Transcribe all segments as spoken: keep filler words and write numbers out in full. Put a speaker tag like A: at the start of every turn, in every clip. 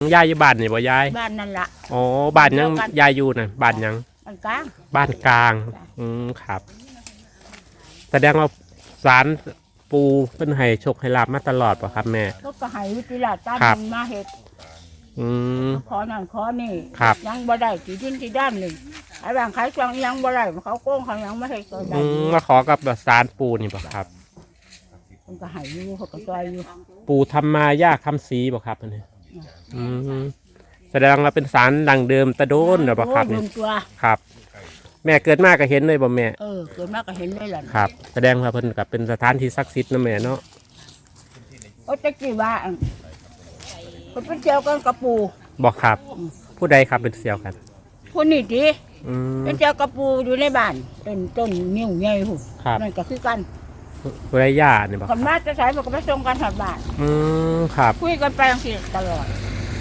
A: ยายอยู่บ้านนี่บ่ยาย
B: บ้านนั่นละ
A: อ๋อบ้านยังยายอยู่น่ะบ้านยัง
B: บ้านกลาง
A: บ้านกลางอืมครับแสดงว่าศาลปูเป็นให้โชคให้ลาบมาตลอดป่ะครับแม่
B: ก็กระหายวิทยาตั้งมาเห็ด
A: อืม
B: ขอนั่นขอนี่
A: ครับ
B: ยังบ่ได้กี่ดินกี่ด้านหนึ่งไอ้บางขายจังยังบ่ได้เขาโกงเขายังไม่ให้ตัวใด
A: มาขอกับศาลปูนี่ป่ะครับ
B: มันก็หายอยู่เขาก็ซอยอยู่
A: ปูทำมายากคำสีป่ะครับอันนี้อืมแสดงว่าเป็นศาลดังเดิมตะโดนหรือป่ะครับนี่ครับแม่เกิดมาก็เห็นเลยบ่แม่
B: เออเกิดมาก็เห็นเลยล่ะ
A: ครับแสดงว่าเพิ่นกับเป็นสถานที่ศักดิ์สิทธิ์นะแม่เนาะ
B: โอ้ตะกี้ว่าเพิ่นเป็นเจียวกันกับปู
A: บอกครับผู้ใดครับเป็นเสี่ยวกัน
B: ผู้นี่ดิเป็นเจียวกับปูอยู่ในบ้านต้นต้นนิ้วใหญ่หูนั่นก็คือกัน
A: ผู้ใดย่าเนี่ยบอก
B: คนมาจะใช้มันก็ไปส่งกันถัดบ้าน
A: อืมครับ
B: คุยกันไปทั้งสี่ตลอด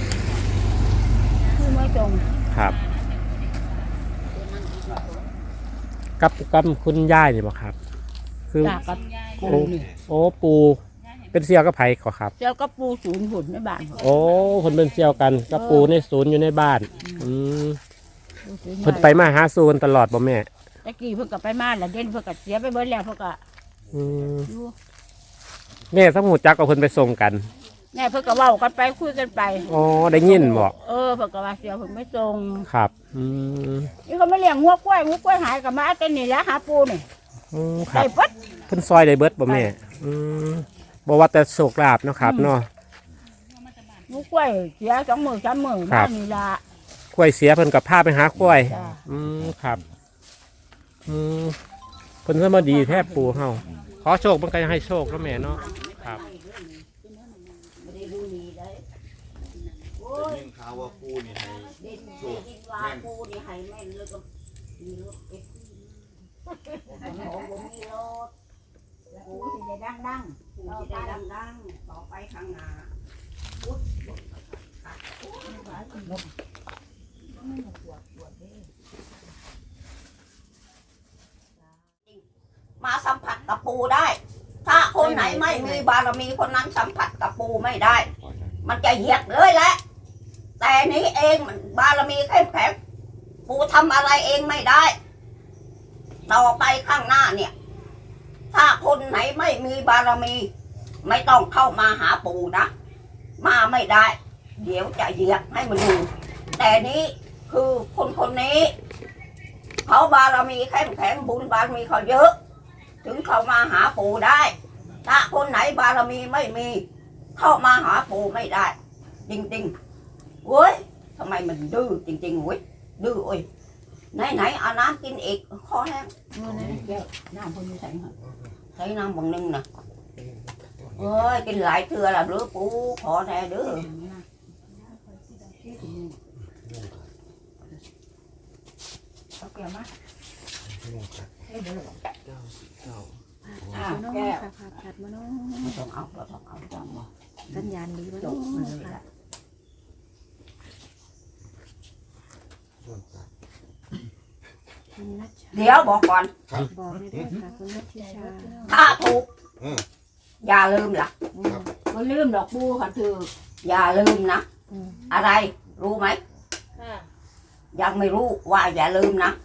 B: คุยไม่ตรง
A: ครับกับกับคุณย่ายนี่บอกครับ
B: คือกับปูนี่
A: โอ้ปูเป็นเสี่ยวกับไผ่ขอครับ
B: เสี่ยวกับปูศูนย์หุ่นในบ้าน
A: โอ้คนเป็นเสี่ยวกันกับปูในศูนย์อยู่ในบ้านอืมเพิ่นไปมาหาศูนย์ตลอดบ่แม่
B: ตะกี้เพิ่นก็ไปมาแล้วเด่นเพิ่นก็เสียไปเบิดแล้วเพิ่นก็
A: อืมแม่สมุจักกับเพิ่นไปส่งกัน
B: แม่เพิ่นก็เว้ากันไปคุยกันไป
A: อ๋อได้ยินบ่
B: เออเพิ่นก็ว่าเสียเพิ่นไม่ส่ง
A: ครับอืม
B: นี่เขามาเลี้ยงงัวกล้วยงัวกล้วยหายก็มาแต่นี่แหละหาปูนี่
A: อืมครับเพิ่นซอยได้เบิดบ่แม่อืมบ่ว่าแต่โชคลาภเนาะครับเนาะ
B: งัวกล้วยเสียสองหมื่นสามหมื่นมานี่ล่ะ
A: กล้วยเสียเพิ่นก็พาไปหากล้วยอืมครับอืมเพิ่นซะมาดีแทบปูเฮาขอโชคเพิ่นก็ให้โชคเนาะแม่เนาะครับ
C: ยินข่าวว่าปูนี่ให้โชคแม่ปูนี่ให้แม่นเลยก็มีรถเอ็กซ์มีรถปูที่ได้ดังดังปูที่ได้ดังดังต่อไปข้างหน้ามาสัมผัสกับปูได้ถ้าคนไหนไม่มีบารมีคนนั้นสัมผัสกับปูไม่ได้มันจะเหยียดเลยแหละแต่นี้เองมันบารมีเข้มแข็งปูทำอะไรเองไม่ได้ต่อไปข้างหน้าเนี่ยถ้าคนไหนไม่มีบารมีไม่ต้องเข้ามาหาปูนะมาไม่ได้เดี๋ยวจะเหยียดให้มันดูแต่นี้คือคนคนนี้เขาบารมีเข้มแข็งบุญบารมีเขาเยอะถึงเข้ามาหาปูได้ถ้าคนไหนบารมีไม่มีเข้ามาหาปูไม่ได้จริงๆเว้ยทำไมมันดื้อจริงๆเว้ยดื้อเว้ยไหนไหนเอาน้ำกินอีกคอแห้งน้ำพอดีใส่ใส่น้ำบางนึงนะเอ้ยกินหลายเทื่อละเด้อปูขอแน่เด้อเอาแก้วมาอ้าวแก้วผัดมาเนาะต้องเอาต้องเอาต้องเอาสัญญาณดีมาเนาะเดี๋ยวบอกก่อนบอกได้ด้วยค่ะคุณนัทธิชาถ้าถูกอย่าลืมล่ะก็ลืมดอกปูค่ะเธออย่าลืมนะอะไรรู้ไหมยังไม่รู้ว่าอย่าลืมนะ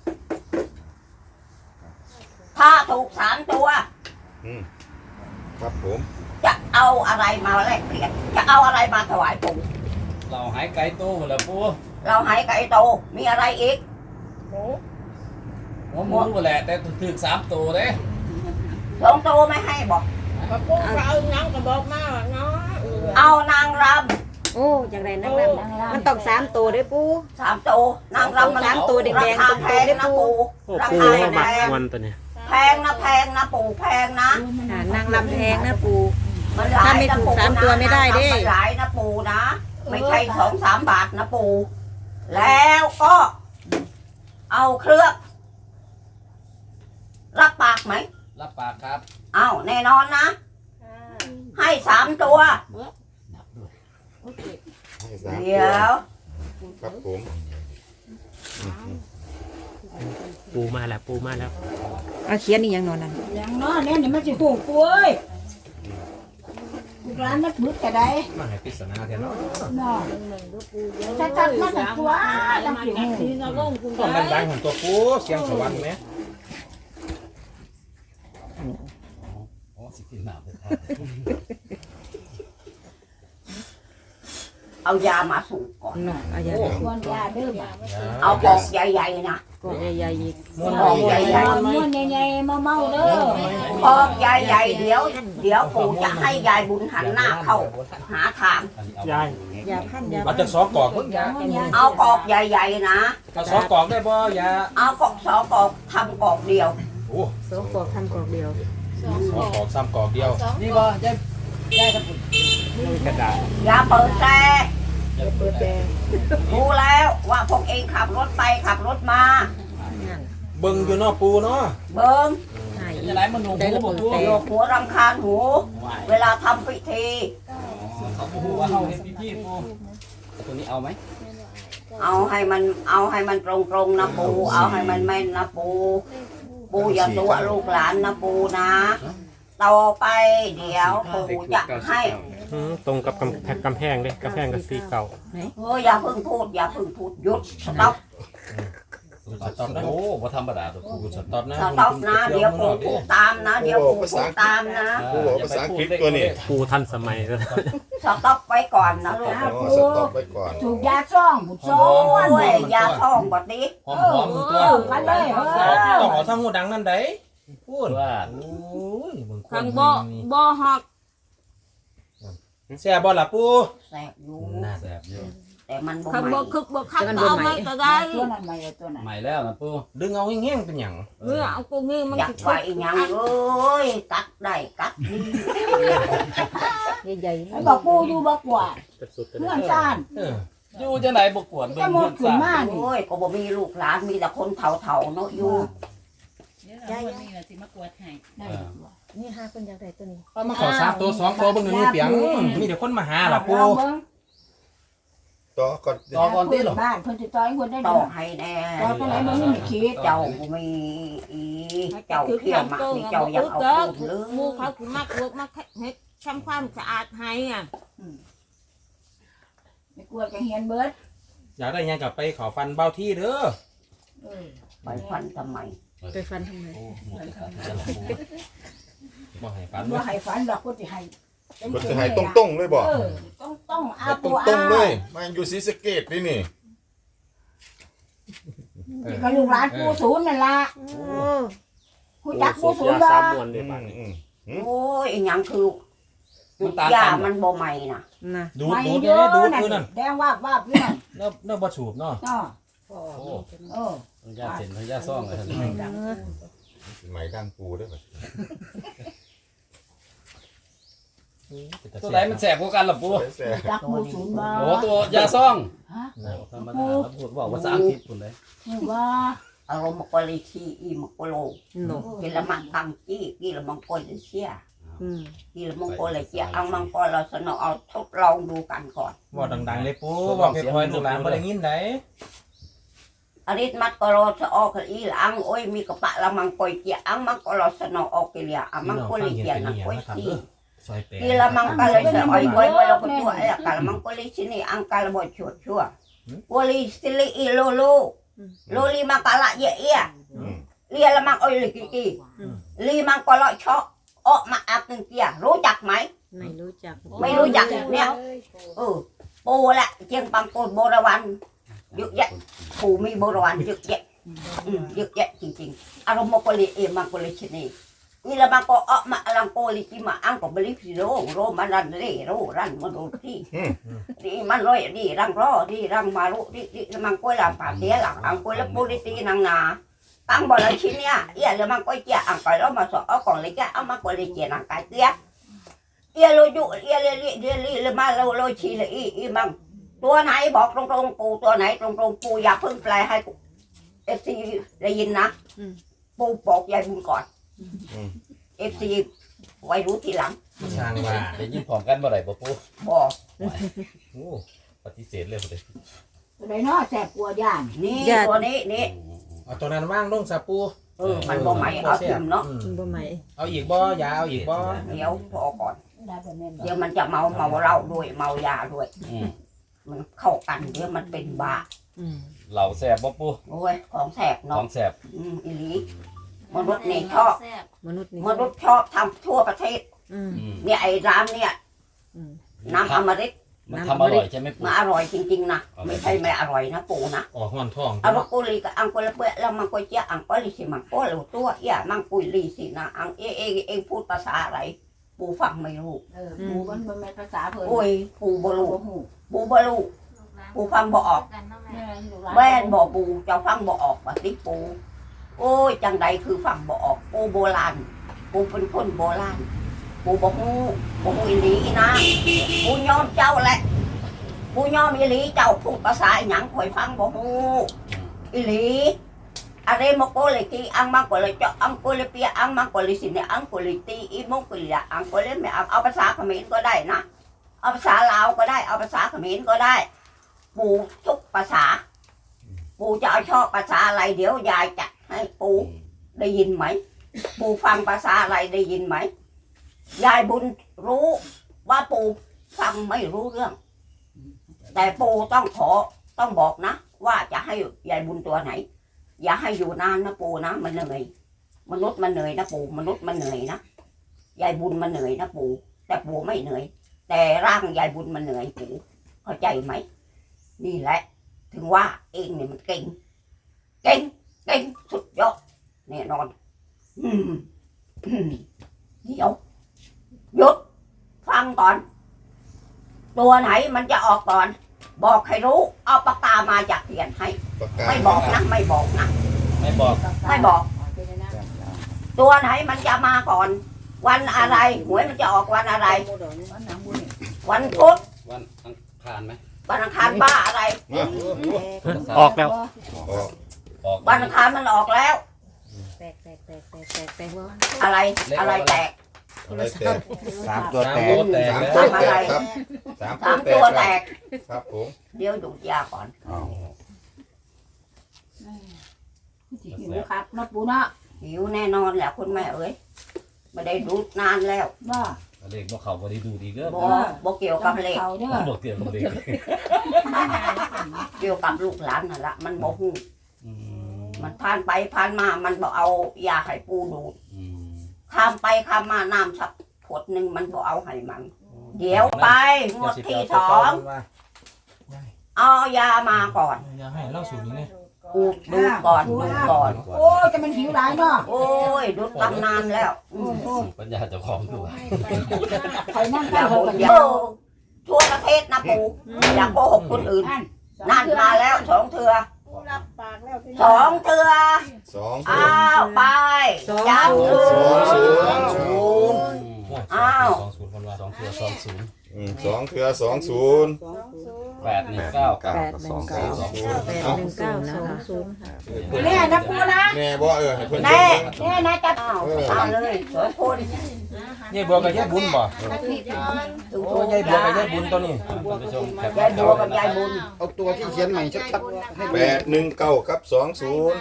C: ถ้าถูกสามตัวครับผมจะเอาอะไรมาแลกเปลี่ยนจะเอาอะไรมาถวายปู่
D: เราหายไก่โตหมดแล้วปู
C: เราหายไก่โตมีอะไรอีก
B: หมู
D: หัวหมูหมดแหละแต่ถึงสามตัวเด้
C: สองตัวไม่ให้บอก
B: ปูเอาน้ำกระบอกมาเนาะ
C: เอานางร
E: ำโอ้อย่างไรนางรำมันต้องสามตัวด้วยปู
C: สามตัวนางรำมัน
E: สามตัวแดงๆตรงๆด้วยปู
C: ราคาแพง
A: วันตัวนี้
C: แพงนะแพงนะปู่แพงนะ
E: นางรำแพงนะปู
C: มันถ้าไม่ถูกสามตัวไม่ได้เด้หลายนะปู่นะไม่ใช่สองสามบาทนะปู่แล้วก็เอาเครื่องรับปากไหม
D: รับปากครับ
C: เอาแน่นอนนะให้สามตัวเดี๋ยว
F: ครับผม
A: ปูมาแล้วปูมาแล้ว
E: เอาเขียนนี่ยังนอนนั่น
B: ยังนอนเนี่ยนี่มันจะหูป่วยกร้านนักบุญก็ได้
A: มาให้ปริศนาแท้เนาะ
B: เนาะชัดๆมันก็ตัวจังสิฮู้
A: ต้องดังๆของตัวปูเสียงสวรรค์ไหม
D: อ๋อสิกินน้ำเลยครับ
C: เอายามาสูบก่อน
E: เนาะเอาอย่า
B: ควรยาเด้อบ่
C: เอากอกใหญ่ๆนะ
E: ก็ใหญ่ๆอีก
A: ม้วน
C: กอกใหญ่
B: ม่วนใหญ่ๆเมาๆเด้อ
C: ๆกอกใหญ่ๆเดี๋ยว เดี๋ยวปู่จะให้ยายบุญหันหน้าเข้าหาทาง
A: ยาย
E: อย่าพันอย่า
A: มันจะซอกกอกเพิ่งยา
C: เอากอกใหญ่ๆนะ
A: จะซอกกอกได้บ่ยา
C: เอากอกสองกอกทำกอกเดียว
A: โอ้
E: สองกอกทำกอกเดียว
A: สองกอกสามกอกเดียว
D: นี่บ่ยายยายครับ
A: กระดาษ
C: อย่าเปิดแต่
E: เปิดแต่
C: รู้แล้วว่าพวกเองขับรถไปขับรถมา
E: นั่น
A: เบิ่งอยู่เนาะปูเนาะ
C: เบิ้ง
E: หาย
D: จะไหนมันหนุ่ม
E: ได้ระ
D: บ่
E: เบิด
D: ปู
E: แต่
C: โยกหัวรำคาญหู เวลาทำพิธี
D: เขาปูว่าเฮาเฮ็ดพี่ๆปูตัวนี้เอาไหม
C: เอาให้มันเอาให้มันตรงๆนะปูเอาให้มันแม่นนะปูปูอย่าตัวลูกหลานนะปูนะต่อไปเดี๋ยวปูจะให้
A: ตรงกับกำแพงกำแพงเลยกำแพงกับสีเก่า
C: เฮ้ยอย่าเพิ่งพูดอย่าเพิ่งพูดหยุดสต็อป
D: สต็อปนะโอ้บ่ธรรมดาตัวปูสต็อปนะ
C: สต็อปนะเดี๋ยวปูพูดตามนะ เดี๋ยวปูพูดตามนะ
F: กูบอกภาษาอังกฤษตัวนี้
A: ปูทันสมัยแล้ว
C: สต็อปไว้ก่อนนะลูก
F: อ๋อสต็อปไว้ก่อน
B: สูบยาซ่องบุญซ่อง
C: โอ้ยยาท้องบัดนี้
D: หอมๆตัว
B: กันเลยเออ
A: ต้องเอาทั้งหูดังนั่นได้พูด
D: ว่า
A: โอ้ยเบิ่งคน
E: ข้างบ่บ่ฮอก
A: แซ่บบ่ล่ะปู
C: แสบอยู่
A: น่า
D: แซ่บอยู่
C: แต่มันบ่
E: ข้าง
C: ไหม
E: บ่คึกบ่คักเอาไว้ก็ได้
B: ตัวนั้นไม่ตัวนั้น
D: ใหม่แล้วนะปู
A: ดึงเอาแห้งๆเป็นหยัง
E: เมื่อเอากูงี้มัน
C: อยาก
E: สิ
C: ไว้หยังเอ้ยกัดได้กัดดี
E: ใหญ่
B: ไอ้บอกปูอยู่บ่กว่า
A: สุดๆ
B: เพื่อนซ่าน
A: เออ
D: อยู่จังไหนบ่กวนเบิ่
B: จะ
D: ง
B: หม
D: เพิ่
B: ด
D: น
B: ขึ้น
D: ซ่า
B: มานี่
C: โอ้ยก็บ่มีลูกหลานมีแต่คนเฒ่าๆเนาะอยู่
E: ใหญ่
B: ได้
E: นี่ห้าคนอยากได้ตัวนี้
A: เอามาขอสามตัวสองตัวเบิ่งหนึ่งเปียงมีแต่คนมาหาล่ะปู
B: ลองเบิ่ง
F: ต่อก่อน
D: ต่อก่อนติหรอ
B: บ้านเพิ่นสิต่อยคนได้
C: ต่
B: ด
C: อ
B: อก
C: ให้แน่
B: ต่อตัวไหนมันมีขีด
C: เจ้าบ่มีอีเจ้าเที่ยวมานี่เจ้าอยากเอาพูดหรือ
E: หมู่เขาคือมักเวิร์กมักเฮ็ดทำความสะอาดให้อ่ะ
B: ไม่กลัวจะเฮียนเบิด
A: อยากได้หยังกลับไปขอฟันเบ้าที่เด้อ
B: เออ
C: ไปฟันทำไม
E: ไปฟันทำไม
D: โอ้หมดแล้วครับ
A: บ่ให้ฟัน
B: บ่
A: เด้อ
B: ให้ฝันดอกก็สิให้
F: ก็จะให้ตรงๆเลยบ่
B: เออต้องต้องเอา
F: ให้ต
B: ตัว
F: รงๆเลยมาอยู่ศรีสะเกษนี่นี่
B: ก็ลูกหลานปูศูนย์นั่นล่ะผู้จักปูศูนย์
A: ยา
B: บ่
A: สามมวนเลย
F: อื
A: ป่ะ
F: มอืม
C: โอ้ยอีหยังคือจุดยามันบ่ใหม่น่ะ
E: น่ะ
A: ดูด
B: ไม่
A: ดูด
B: เย
A: เด้
B: อะ
A: ดูด
B: นั่น
A: คือนั่น
B: แดงว่าบว่าบอยู่นั่น
A: เนาะเนาะบ่สูบเนาะ
B: เนาะ
D: โอ้
B: เออ
D: ยาเส้นยาซ่องเลยท่าน
F: ไหมดังปูได้ป่ะ
D: ตัวไหนมันแสบกว่ากันล่ะปู
F: แซ่
B: จักปูศูนย์บ่
D: โอ้ตัวยาซ่อง
B: ฮะ
D: ธรรมดาแล้วพูดบอกภาษาอังกฤษพุ่นเลย
B: นี่ว่า
C: อารมณ์มกลิชีอีมกโล
E: หนู
C: กิละมังกังจี้กิละมังกลเชีย
E: อืม
C: กิละมังกลเชียเอามังกรเราสนอเอาทดลองดูกันก่อน
A: ว่าดังๆเลยปูว่าไปคอยลูกหลานบ่ได้ยินได้
C: อริสมัดกรอสออกอีละอังโอ้ยมีกระปะละมังกอยเกียอังมังกรสนอออกกิเลียอังมังกลเกียนักกอยซี
A: ซอยแปด
C: กิละมังกะเลยสอยไว้ไว้เราก็ตัวไอ้กะละมังกลิชินี่อังกะละบ่ชวดชัววลิสิลิอีโลโลโลลีมังกะละเยเอีย
F: อืม
C: เลียละมังโอ้ยลิกิกีลีมังกะละชอออกมาอักนึงเกียรู้จักไหม
E: ไม่รู้จัก
C: ไม่รู้จักเนี่ยเออปูแหละเจียงปังโกนโบราวันเยอะแยะปูมีโบราวันเยอะแยะอืมเยอะแยะจริงๆอารมณ์มกลิเอมังกลิชินี่นี่ละมังก็ออกมาลังโกลิกิมาอังก็บลิฟิโรโรมันรันเรโรรันมาดูที่ดีมันร้อยดีรังรอดีรังมารุดีดีมังก็ลำปาเสียหลังอังก็ละปูลิตีนางนาตั้งบ่ละชิ้นเนี่ยเอี่ยละมังก็เจียอังก็แล้วมาสอเอาของเลยแกเอามาก็เลยเจียนังกายเตี้ยเอี่ยโลยุเอี่ยเลลิเดลิละมาโลโลชีละอีอีมังตัวไหนบอกตรงๆปูตัวไหนตรงๆปูอย่าเพิ่งแปลให้เอฟซีได้ยินนะปูบอกยายบุญก่อนเอฟซีไว้รู้ทีหลัง
A: สร้างว่า
D: ได้ยินพร้อมกันบ่ได้บ่ปู
C: บอก
A: โอ้
D: ปฏิเสธเลยบ่ได้
B: ตัวไหนเนาะแสบกลัวย่าน
C: นี่ตัวนี้นี่
A: เอาตัวนั้นว่างลงซะปู
C: เออมันบ่ไหมเอาทิมเนาะ
E: มันบ่ใหม่
A: เอาอีกบ่ยาเอาอีกบ่
C: เดี๋ยวพอก่อน
B: เ
C: เดี๋ยวมันจะเมาเมาเหล้าด้วยเมายาด้วย
D: อืม
C: มันเข้ากันเดี๋ยวมันเป็นบ้า
D: เหล่าแสบบ่ปู
C: โอ้ยของแสบ
D: ขอ
C: เนาะ
D: งแสบ
C: อืมอีหลีมนุษย์นี่ชอบ
E: มนุษย์นี่
C: มนุษย์ชอบทำทั่วประเทศ
E: อืม
D: อืม
C: เนี่ยไอ้ร้านเนี่ย
E: อืม
C: น้ำอมฤต
D: มันทำอร่อยใช่ไหมปู
C: มาอร่อยจริงๆนะ
D: เอาไป
C: ไม่ใช่ไม่อร่อยนะปู่นะ
G: ออกห้อนท้อง
C: เอากุลีกับอังกุลเปะแล้วมังกุเจียอังกุลิสิมังกุลตัวเอียมังกุลีสินะอังเอเอเองพูดภาษาอะไรปู่ฟังไม่รู้
B: เออปูมันมันเป็นภาษาเพิ่น
C: โอ้ยปู่บรู
B: บ่ฮู้
C: ปู่บรูปู่ฟังบ่ออก แม่นบ่ปูเจ้าฟังบ่ออกว่าติปูโอ้ยจังใดคือฟังบ่ออกปูโบราณปูเป็นคนโบราณปูบ่ฮู้บ่ฮู้อีหลีนะปูยอมเจ้าแหละปูยอมอีหลีเจ้าพูดภาษาอีหยังข่อยฟังบ่ฮู้อีหลีอะไรมโกเลยที่อังมังก็เลยเจาะอังก็เลยเปียอังมังก็เลยสิเนี่ยอังก็เลยตีอีมงก็เลยอังก็เลยไม่เอาเอาภาษาเขมรก็ได้นะเอาภาษาลาวก็ได้เอาภาษาเขมรก็ได้ปูทุกภาษา ปูจะเอาชอบภาษาอะไรเดี๋ยวยายจัดให้ปูได้ยินไหมปูฟังภาษาอะไรได้ยินไหมยายบุญรู้ว่าปูฟังไม่รู้เรื่อง แต่ปูต้องขอต้องบอกนะ ว่าจะให้ยายบุญตัวไหน อย่าให้อยู่นานนะปูนะมันเหนื่อยมนุษย์มันเหนื่อยนะปูมนุษย์มันเหนื่อยนะยายบุญมันเหนื่อยนะปูแต่ปูไม่เหนื่อย แต่ร่างยายบุญมันเหนื่อยปูเข้าใจไหมนี่แหละ ถึงว่าเองเนี่ยมันเก่ง เก่ง เก่งสุดยอดแน่นอน อืมอืมเดี๋ยวหยุดฟังก่อน ตัวไหนมันจะออกก่อน บอกให้รู้ เอาปากกามาจากเขียนให้
F: ปากกา
C: ไม่บอกนะ ไม่บอกนะ
D: ไม่บอก
C: ไม่บอก ตัวไหนมันจะมาก่อน วันอะไรหวยมันจะออกวันอะไร วันพุธ
D: วันอังคารไหม
C: วันอังคารบ้าอะไร
F: มา
A: ออกแล้ว
F: ออก
D: ออก
C: วันอังคารมันออกแล้ว
E: แตกแตกแตกแตกแตกแตกว่า
C: อะไรอะไรแตก
F: อะไรแตก
G: สามตัว
D: สาม
G: แตก
D: ตัวแตก
F: สาม
D: แล้ว
F: ตัวแตกครับสาม
C: สาม
F: ตั
C: ตัว ว
F: แต
C: แต
F: ก
C: ก
F: ครับผม
C: เดี๋ยวดูดยาก่อน
B: หิวครับเนาะปูเนาะ
C: หิวแน่นอนแหละคุณแม่เอ้ยไม่ได้ดูดนานแล้ว
B: บ่
D: เด็กบ่เขาบ่ได้ดูดีเด้อ
C: บ่บ่เกี่ยวกับเลข
B: เขาเด้อ
D: บ่เกี่ยวกับเด็ก
C: เกี่ยวกับลูกหลานนั่นละมันบ่ฮู้
D: อืม
C: มันผ่านไปผ่านมามันบ่เอายาให้ปูดูด
D: อืม
C: ข้ามไปข้ามมาน้ำสักขวดหนึ่งมันบ่เอาให้มัน เดี๋ยวไปงวดที่สองเอายามาก่อน
G: อย่าให้เล่าสูตรนี้เลย
C: ดูดดูดก่อนดูดก่อน
B: โอ้ยจะมันหิวหลายเนาะ
C: โอ้ยดูดตำนานแล้วอืม
D: ปัญญาเจ้าของตัว
B: คอยนั่ง
C: อ
B: ใกล้
C: ย่า
B: เขา
C: โก
B: กัน
C: อย่าทั่วประเทศนะปูอย่าโกหกคนอื่นนั่นมาแล้วสองเถื่อสองเถื่อ
F: สอง
C: อ้าวไปย้ำ
F: สองศูนย์
C: สองศูนย์ อ้าว
D: สองศูนย์คนว่าสองเทือสองศูนย์
F: อืมสองเถื่อสองศูนย์
D: แปดหนึ่งเก้า
F: แปดหนึ่งเก้าสองศูนย์
E: แปดหนึ่งเก้าสองศูนย์ค่ะ
B: แน่นะปูนะ
F: แน่บ่เออให้เพิ่น
C: แน่
F: เบิ่ง
B: แน่นะจะ
C: อ้าวเอาเลยสองคน
G: ยายบัวกับยายบุญบ่
C: ถูก
G: โอ้ยายบัวกับยายบุญตัวนี้
D: ท่านผู้ชมแคป
C: ยายบัวกับยายบุญ
G: เอาตัวที่เขียนใหม่ชัดๆให้
F: แปดหนึ่งเก้ากับสองศูนย์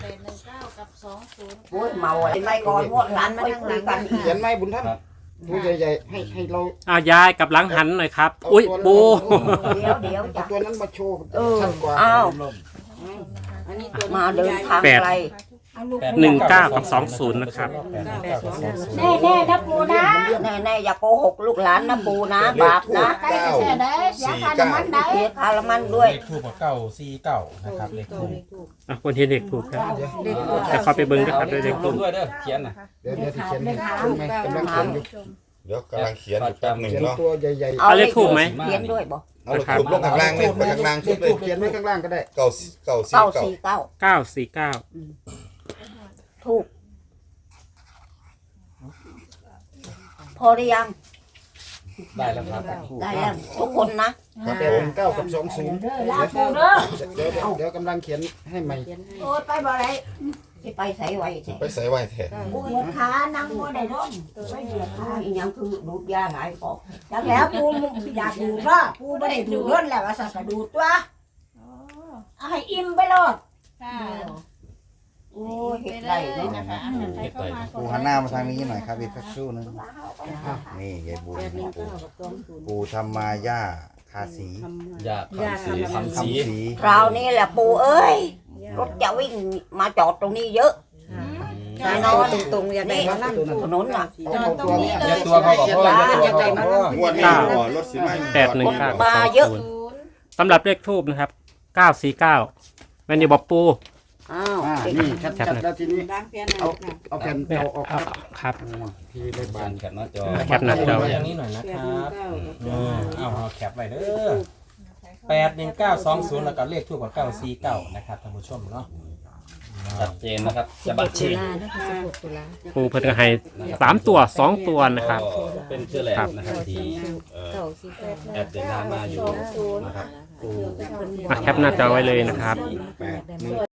C: โอ้ยเมาอะไรไม่ก่อนงวดหลานไม่คุยกันอีก
G: เขียนใหม่บุญท่านตัวใหญ่ๆให้ให้เรา
A: อ้าวยายกับหลังหันหน่อยครับ อุ้ยปู
C: เดี๋ยวเดี๋ยว
G: เอา
C: จะ
G: ตัวนั้นมาโชว์
C: เออ
G: ชัดกว่า
C: อ้าว
E: อันนี้ตัว
C: มาเดินทางไกล
A: หนึ่งเก้ากับสองศูนย์นะครับ
B: แน่แน่นะปูนะ
C: แน่แน่ๆอย่าโกหกลูกหลานนะปูนะบาปนะ
B: ใกล้จะแช่ได้เสียค่าน้ำมันได้
C: เสียคาละมันด้วย
G: เลขทูบกับเก้าสี่เก้านะครับเลขทูบ
A: อ่ะคนที่เด็กถูกครับ
E: เลขตัว
A: แต่ขอไปเบิ้งนะครับด้วยเด็ก
D: ล
A: ถู
D: ง
A: ก
D: ด้วยเด้อเขียนน่ะ
G: เดี๋ยวเดี๋ยวที่เขียนให้ดูไหมกำลังเขียนอยู่
F: เดี๋ยวกำลังเขียนอยู่แป๊บหนึ่ง
G: เขียน
F: เนาะ
G: ตัวใหญ่
A: เอาเลขถูกไหม
C: เขียนด้วยบ่
F: เอาลูกทุบลงข้างล่าง
G: ๆ
F: เลยไปข้างล่าง
G: เล
F: สุด
G: ข
F: เล
G: ทู
F: ย
G: บเขียนไว้ข้างล่างก็ได้
F: เก้าเก้าสี่
C: เก้า
F: เก้า
C: สี่เก้า
A: เก้าสี่เก้า
C: ถูกพอหรือยัง
D: ได้แล้วครับ
C: ได้แล้วทุกคนนะ
F: ครับ
G: แป
F: ผ
G: ดห
F: ม
G: นึ่งเก้ากับสองศูนย์
B: เด้อลาปูเด้อ
G: เดี๋ยวเดี๋ยวเดี๋ยวกำลังเขียนให้ใหม่
B: โอ้ยไปบ่ได้
C: ที่ไปใส่ไว้แท้
F: ไปใส่ไว้แท้
B: ปูเหยียบขานั่งบ่ได้ร่มไปเหยียบขา
C: อีหยังคือดูดยาหลายปอก
B: จากแล้วปูอยากดูดเนาะปูบ่ได้ดูดร่นแล้วว่าสักกระดูดตัวเอาให้อิ่มไปโลด
C: อโอ้ยเห็ดไรเลยนะคะ
D: เฮ็ดได้
H: ปูหันหน้ามาทางนี้หน่อยครับอีกสักครู่หนึงนี่ยายบุญปูปูธรรมาย่าคาสี
D: ยากคำสีคำสี
H: คำสี
C: คราวนี้แหละปู่เอ้ยรถจะวิ่งมาจอดตรงนี้เยอะ
E: สามตัวตรงๆอยากได้มานั่ง
C: ถนนน่ะ
G: จอดตรงนี้
D: อย่าตัวเขาบอกพ่ออย่าตัวเขาบอกพ่อง
F: วดนี้บ่รถสิมา
A: แปดหนึ่งเก้า
C: มา
A: สอง
C: เยอะ
A: ศูนย์สำหรับเลขทูบนะครับเก้าสี่เก้าแม่นอยู่บอกปู
C: อ้าว
G: อ่านี่ชัดๆแล้วทีนี้เอาเอาแผ่น
A: เนี่ย
G: เอาออกค
A: เอา
G: รับ
A: ครับ
G: ทีเลข
D: บา
G: บาน น
D: แคปหน้าจอ
A: แคปหน้าจอไว้
I: อย่างนี้หน่อยนะครับเออเอาเอาแคปไว้เด้อแปดหนึ่งเก้าสองศูนย์แล้วก็เลขทูบกับเก้าสี่เก้านะครับท่านผู้ชมเนาะ
D: ชัดเจนนะครับจะบัด
E: ตุ
D: เชน
E: ลานะคะสิบหกตุลา
A: ปูเพิ่นก็ให้สามตัวสองตัวนะครับ
D: ก็เป็นเชื่อแหลกนะครับที่เอ่อ
E: เก้าสี่เก้า
D: แอดเดินทางมาอยู่นะครับ
A: มาแคปหน้าจอไว้เลยนะครับ
H: แปดหนึ่ง